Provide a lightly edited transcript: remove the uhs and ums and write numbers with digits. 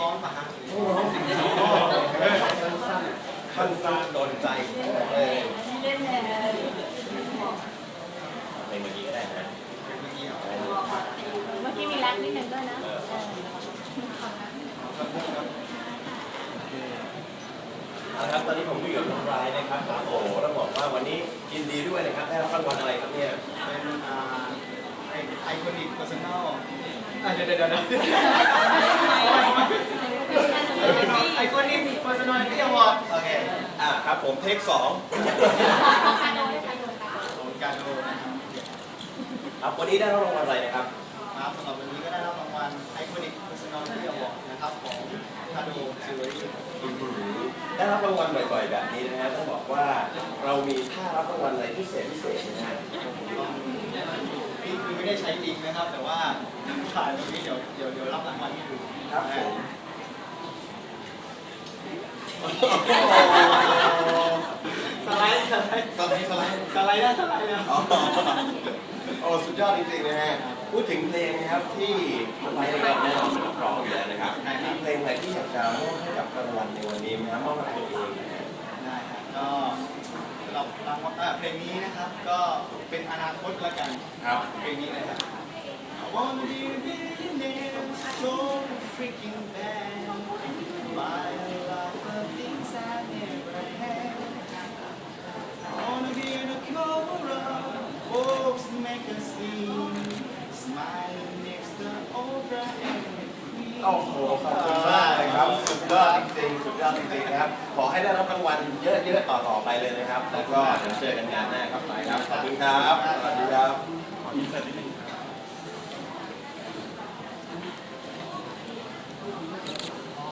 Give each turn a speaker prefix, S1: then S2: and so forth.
S1: ร้อนป่ะฮะ
S2: ต้องร้องสิ่งที่ชอบสั้นๆโดนใจเลย
S3: เล่นแทน
S2: ในเมื่อกี้ก็ได้นะ
S3: เมื่อกี้มีแรปนิดนึงด้วยนะ
S2: เอาละครับตอนนี้ผมอยู่กับน้องรายนะครับโอ้โหต้องบอกว่าวันนี้ยินดีด้วยนะครับได้รับรางวัลอะไรครับเนี่ย
S1: เป็นไอคอนิกเพอร์ซันอลเดี๋ยวไอคอนิกเพอร์ซันอลที่อวอร์ดโอเค
S2: ครับผมเทค2
S1: โดนการโดนนะครับ
S2: ครับวันนี้ได้รับรางวัลอะไรนะครับ
S1: ครับสำหรับวันนี้ก็ได้รับรางวัลไอคอนิกเพอร์ซันอลที่อวอร์ดนะครับของคาโดจิวเวลรี่
S2: ได้รับรางวัลบ่อยๆแบบนี้นะฮะต้องบอกว่าเรามีท่ารับรางวัลอะไรพิเศษนะฮะ
S1: นี่คือไม่ได้ใช้จริงนะครับแต่ว่าถ่ายตรงนี้เดี๋ยวรับรางวัลให้ดู
S2: ครับผม
S1: สไลด์นะ
S2: โอ้สุดยอดจริงๆนะฮะพูดถึงเพลงนะครับที่ไปนะครับแน่นอนเป็นนักร้องอยู่แล้วนะครับมีเพลงอะไรที่อยากจะมอบให้กับรางวัลในวันนี้นะครับมอบให้ตัวเองนะฮะ
S1: ได้ครับก็สำหรับรางวัลเพลงนี้นะครับก็เป็นอนาคตละกัน
S2: ครับ
S1: เพลงนี้นะครับ I wanna be a billionaire so freaking bad buy a lot of things I never had I wanna be on the cover of Forbes magazine smiling next to Oprah and the Queen
S2: โอ้โหขอบคุณมากเลยครับสุดยอดจริงๆนะครับขอให้ได้รับรางวัลเยอะๆต่อไปเลยนะครับแล้วก็เดี๋ยวเจอกันงานหน้าครับไปครับขอบคุณครับสวัสดีครับ